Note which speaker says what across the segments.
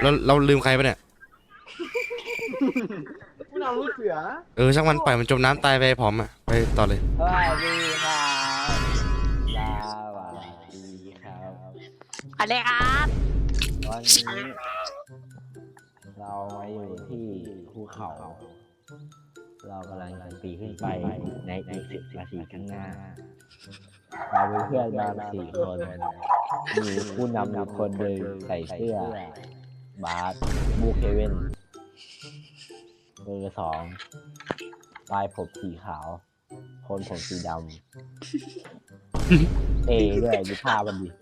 Speaker 1: เราลืมใครปะเนี่ย
Speaker 2: ผู้นำลูกเสือ
Speaker 1: ช่างมันปล่อยมันจมน้ำตายไปพร้อมอ่ะไปต่อเลย
Speaker 2: สวัสดีครับสวัสดีครับ
Speaker 3: อะไรครับ
Speaker 2: วันนี้เรามาอยู่ที่ภูเขา เรากำลังจะปีนขึ้นไปในอีก10 นาทีข้างหน้า เราเป็นเพื่อนมา4 คนมีผู้นำ1 คนหนึ่งใส่เสื้อบาสบูเคเว่นเบอร์ 2ปลายผมสีขาวคนผมสีดำ ด้วยดูท่ามันดิ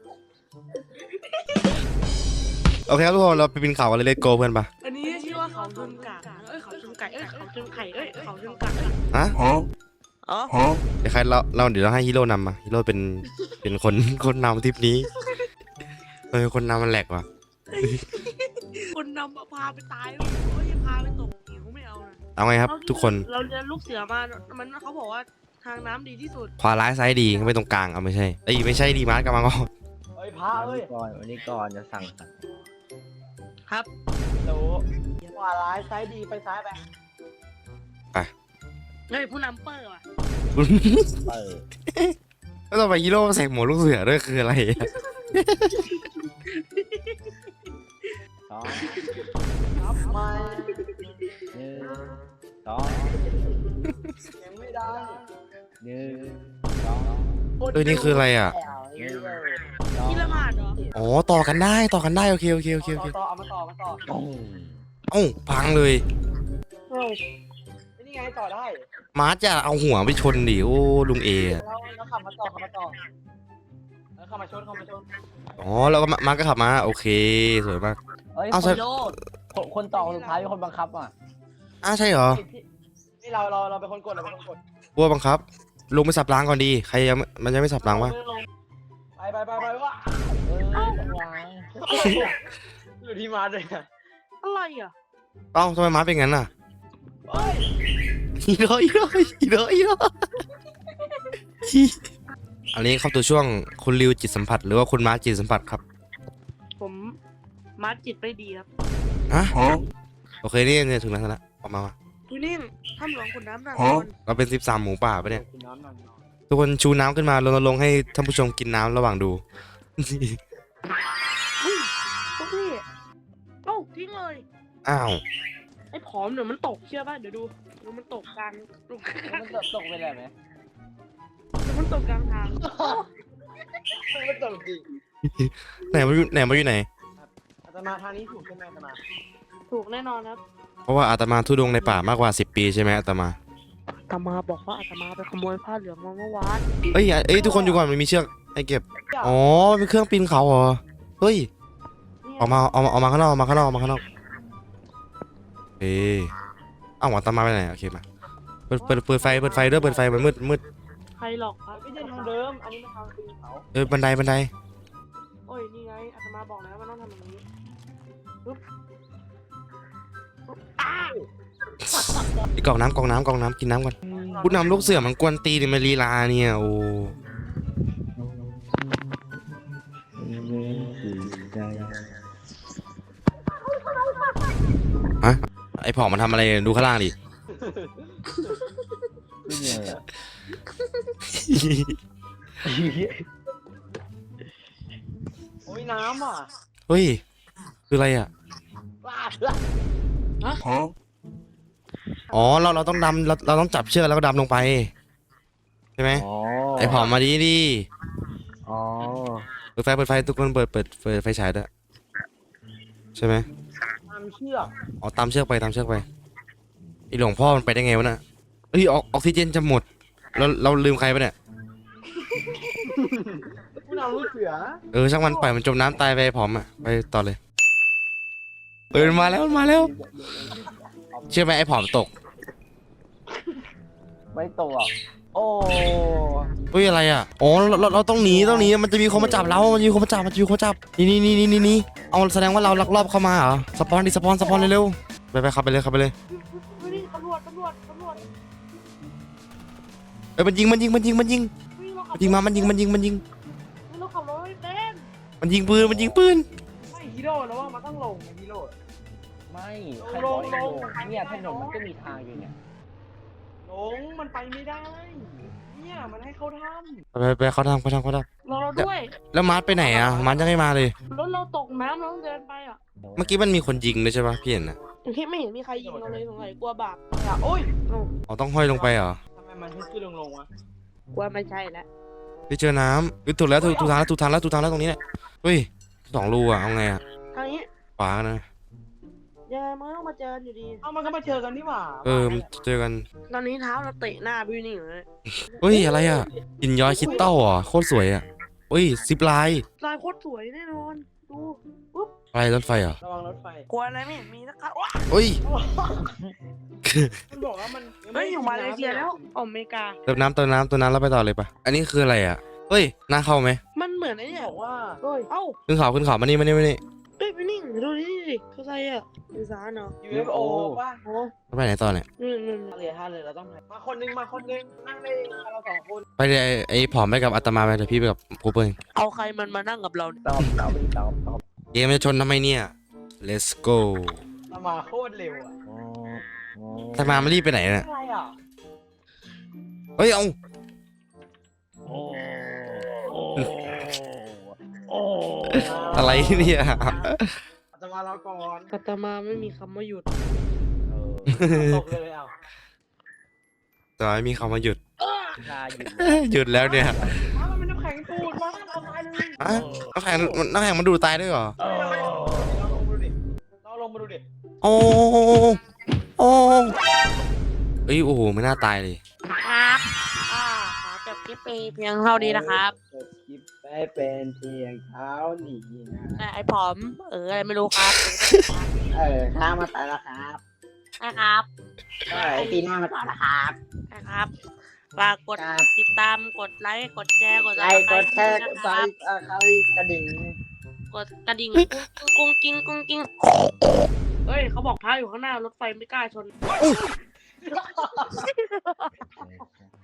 Speaker 1: โอเคครับทุกคนเราไปปีนเขากันเลยเลตโกเพื่อนปะ
Speaker 3: อันนี้ชื่อว่าเขาชนกะเขาชนไก่เขาชนไข่เขาชนกะ
Speaker 1: ฮะ
Speaker 3: อ๋อ
Speaker 1: เดี๋ยวเดี๋ยวเราให้ฮีโร่นำมาฮีโร่เป็นคนนำทริปนี้คนนำมันแหลกว่ะ
Speaker 3: คนนำมาพาไปตายโอ้ยพาไปตกหิวไม่เอานะ
Speaker 1: เอาไงครับทุกคน
Speaker 3: เราเรียนลูกเสือมามันเขาบอกว่าทางน้ำดีที่สุด
Speaker 1: ขวาร้ายซ้ายดีไม่ตรงกลางเอาไม่ใช่ไม่ใช่ดีมาร์กกำลังก็
Speaker 2: เฮ้ยพระเอ้ยวันนี้ก่อนจะสั่ง
Speaker 3: ครับ
Speaker 2: รู้ขวาร้ายซ้ายดีไปซ้ายไป
Speaker 3: เฮ้ยผู้นำเปอร์ว่ะ
Speaker 2: เปิด
Speaker 1: แล้วต่อไปฮีโร่ใส่หมวกลูกเสือด้วยคืออะไรอะ
Speaker 2: สองนับมา1 2ยังไม่ได้1 2
Speaker 1: นี่คืออะไรอ่ะ
Speaker 3: ที่ละหมาดเหรอ
Speaker 1: อ๋อต่อกันได้โอเค
Speaker 2: ต่อเอามาต่อ
Speaker 1: เอ้าพังเลย
Speaker 2: นี่ไงต่อได้
Speaker 1: มาร์จะเอาหัวไปชนดิโอ้ลุงเออะ
Speaker 2: แล้วขับมาต่อแล้วขับมาชน
Speaker 1: อ๋อแล้วก็มาร์ก็ขับมาโอเคสวยมาก
Speaker 2: เฮ้ย
Speaker 1: เอาใส่
Speaker 2: คนต่อคนสุดท้ายเป็นคนบังคับอ่ะ
Speaker 1: ใช่เหรอ
Speaker 2: นี่เราเป็นคนกด
Speaker 1: กลัวบังคับลงไปสับรางก่อนดีใครมันยังไม่สับรางวะ
Speaker 2: ไปว่ะอยู่ที่มาเลยอ่ะ
Speaker 3: อะไรอ่ะ
Speaker 1: เอ้าทำไมมาร์เป็นงั้นอ่ะฮีโร่อันนี้เข้าตัวช่วงคุณริวจิตสัมผัสหรือว่าคุณมาร์จิตสัมผัสครับ
Speaker 3: ผมมาจิตไม่ดีครับ
Speaker 1: ฮะโอเคนี่เนี่ยถึงแล้วออกมา
Speaker 3: ดูนี่ถ้ำหลวงขุนน้ำนางนอน
Speaker 1: เราเป็น13 หมูป่าปะเนี่ยทุกคนชูน้ำขึ้นมารณรงค์ให้ท่านผู้ชมกินน้ำระหว่างดู
Speaker 3: พวกพี่เอ้าทิ้งเลย
Speaker 1: อ้าว
Speaker 3: ไอ้ผอมเดี๋ยวมันตกเชื่อป่ะเดี๋ยวดูมันตกกลาง
Speaker 2: มันตกไปเลยไหม
Speaker 3: เดี๋ยวมันตกกลางทาง
Speaker 2: มันตกจริง
Speaker 1: ไหนมาอยู่ไหน
Speaker 2: อาตมาทางนี้ถูกใช่ไหมอาตมา
Speaker 3: ถูกแน่นอนครับ
Speaker 1: เพราะว่าอาตมาทุดงในป่ามากกว่า10 ปีใช่ไหมอาตมา
Speaker 3: อาตมาบอกว่าอาตมาไปขโมยผ้าเหลืองมาเมื่อวาน
Speaker 1: เอ้ยทุกคนอยู่ก่อนมันมีเชือกให้เก็บอ๋อเป็นเครื่องปีนเขาเหรอเฮ้ยออกมาข้างนอกเอ้ยอ้าวอาตมาไปไหนโอเคมาเปิดไฟด้วยเปิดไฟมันมืด
Speaker 3: ใครหลอกครับ
Speaker 2: ไม่ใช่ทางเดิมอันนี้เป็นทางปีนเขา
Speaker 1: บันได
Speaker 3: โอ้ยนี่ไงอาตมาบอกแล้วว่าต้องทำอย่างนี้ปุ๊บอ้าว
Speaker 1: ไอ้กล่องน้ำกินน้ำก่อนผู้นำลูกเสือมันกวนตีนมันลีลาเนี่ยโอ้ฮะไอ้ผอมมันทำอะไรดูข้างล่างดิ
Speaker 2: โอ้ยน้ำอ่ะ
Speaker 1: เฮ้ยคืออะไรอ่ะอ๋อเราต้องดำเราต้องจับเชือกแล้วก็ดำลงไปใช่ไหมไอ้ผอมมาดิ
Speaker 2: อ๋อ
Speaker 1: เปิดไฟทุกคนเปิดไฟฉายด้วยใช่ไหม
Speaker 2: ตามเชือก
Speaker 1: อ๋อตามเชือกไปไอ้หลวงพ่อมันไปได้ไงวะน่ะเฮ้ยออกซิเจนจะหมดเราลืมใครปะเนี่ย
Speaker 2: ผู้นำลูกเสือ
Speaker 1: ช่างมันปล่อยมันจมน้ำตายไปผอมอ่ะไปต่อเลยมันมาแล้วเชื่อไหมไอ้ผอมตก
Speaker 2: ไม่ตกโอ้
Speaker 1: เฮ้ยอะไรอ่ะอ๋อเราต้องหนีมันจะมีคนมาจับเรามันจะมีคนมาจับนี่เอาแสดงว่าเราลักลอบเข้ามาเหรอสปอนเร็วๆไปขับไปเลย
Speaker 3: เฮ้ยตำรวจ
Speaker 1: มันยิง
Speaker 3: เฮ้ยเราขับ
Speaker 1: มันยิงมา
Speaker 3: เราขับรถไม่เป็น
Speaker 1: มันยิงปืน
Speaker 3: ไม่เหี้
Speaker 4: ฮีโร่แล้วว่ามันต้องลงฮีโร่
Speaker 2: ไม่ใครบอกให้ลงเนี่ยถนนมันก็มีทางอยู่เนี่ย
Speaker 4: ลงมันไปไม่ได้ เนี่ยมันให้เขาท
Speaker 1: ไปเขาทำ
Speaker 3: รอเราด้วย
Speaker 1: แล้วมาร์ทไปไหนอ่ะมาร์ทยังไม่มาเลย
Speaker 3: รถเราตกน้ำเราต้องเดินไปอ่ะ
Speaker 1: เมื่อกี้มันมีคนยิงด้วยใช่ปะพี่เห็นนะ
Speaker 3: ที่ไม่เห็นมีใครยิงเราเลยสงสัยกลัวบาป
Speaker 4: ำอ่ะโอ้ย
Speaker 1: อ๋อต้องห้อยลงไปเหรอ
Speaker 4: ทำไมมันขึ้นลงวะ
Speaker 3: กลัวไม่ใช่แล้ว
Speaker 1: ไปเจอน้ำถูกแล้วถูกทางแล้วถูกทางแล้วถูกทางแล้วตรงนี้แหละเฮ้ย2 รูอ่ะเอาไงอ่ะ
Speaker 3: ทางนี้
Speaker 1: ขวานะ
Speaker 3: ยังไงมันก็ต้องมาเจอกันอยู่ดี
Speaker 4: เอ้ามันก็มาเจอกันนี่หว่า
Speaker 1: มันเจอกัน
Speaker 3: ตอนนี้เท้าเราเตะหน้าพี่นี่อยู่เลย
Speaker 1: เฮ้ยอะไรอ่ะหินย้อยคริสตัลเหรอโคตรสวยอ่ะเฮ้ยซิปไลน์
Speaker 3: ลายโคตรสวยแน่นอนดู
Speaker 1: อะไรรถไฟเหรอ
Speaker 4: ระวังรถไฟ
Speaker 3: กลัวอะไรไม่เห็นมีสักครั้งว้า
Speaker 1: เฮ้ย
Speaker 4: มันบอกว่ามัน
Speaker 3: เฮ้ยอยู่มาเลเซียแล้วอเมริกา
Speaker 1: เติมน้ำแล้วไปต่อเลยปะอันนี้คืออะไรอ่ะเฮ้ยน่าเข้าไหม
Speaker 3: มันเหมือนไอ้เนี่ย
Speaker 4: บอกว่า
Speaker 3: เฮ้ยเอ้า
Speaker 1: ขึ้นเขามานี่มานี่
Speaker 3: เฮ้ยพี่นิ่งดูนี่ดิเขาใส่อะอีสานเนาะ
Speaker 4: UFO ป่ะ
Speaker 3: โอ้
Speaker 1: แล้วไปไหนต่อเนี่ย
Speaker 3: นี่
Speaker 4: ท่าเรือเราต้องมาคนนึงนั่งได้เรา2 คน
Speaker 1: ไปเลยไอ้ผอมไปกับอาตมาไปเดี๋ยวพี่ไปกับครูเปิ้ล
Speaker 3: เอาใครมันมานั่งกับเราเนี่ย
Speaker 2: ตอบ
Speaker 1: เกมจะชนทำไมเนี่ย let's go
Speaker 4: เรามาโคตรเร็วอ่ะ
Speaker 1: อาตมาไม่รีบไปไหนเนี่ย
Speaker 4: อะไรอ่ะ
Speaker 1: เฮ้ยเอา อะไรเนี่ย
Speaker 4: จะมาเราก่อน
Speaker 3: กัตมาไม่มีคำว่าหยุด
Speaker 4: ตกเลยอ่ะ
Speaker 1: แต่ไม่มีคำว่าหยุด
Speaker 2: ลาอยู่
Speaker 1: หยุดแล้วเนี่ย
Speaker 4: มันเป็นน้ำแข็งปูดมาเอาตายเลย
Speaker 1: อะน้ำแข็งมันดูดตายด้วยเหรอ
Speaker 4: เราลงมาดูดิ
Speaker 1: โอ้โอ้เอ้ยโอ้โหไม่น่าตายเลย
Speaker 3: ครับขอจบคลิปไปเพียงเท่านี้นะครับ
Speaker 2: จบคลิปได้เป็นเพียงเท้าหนีนะ
Speaker 3: ไอ้ผอมอะไรไม่รู้ครับ
Speaker 2: ข้ามาต่อแล้วครับ
Speaker 3: นะครับ
Speaker 2: ปีหน้ามาต่อนะครับ
Speaker 3: นะครับฝากกด
Speaker 2: ครับ
Speaker 3: ติดตามกดไลค์กดแชร์กด
Speaker 2: ไลค์กดแชร์กด
Speaker 3: นะ
Speaker 2: ไล
Speaker 3: ครับ
Speaker 2: ค์กระดิ่ง
Speaker 3: กดกระดิ่งกุ้งกิ้งกุ้งกิ้งเฮ้ยเขาบอกท้าอยู่ข้างหน้ารถไฟไม่กล้าชน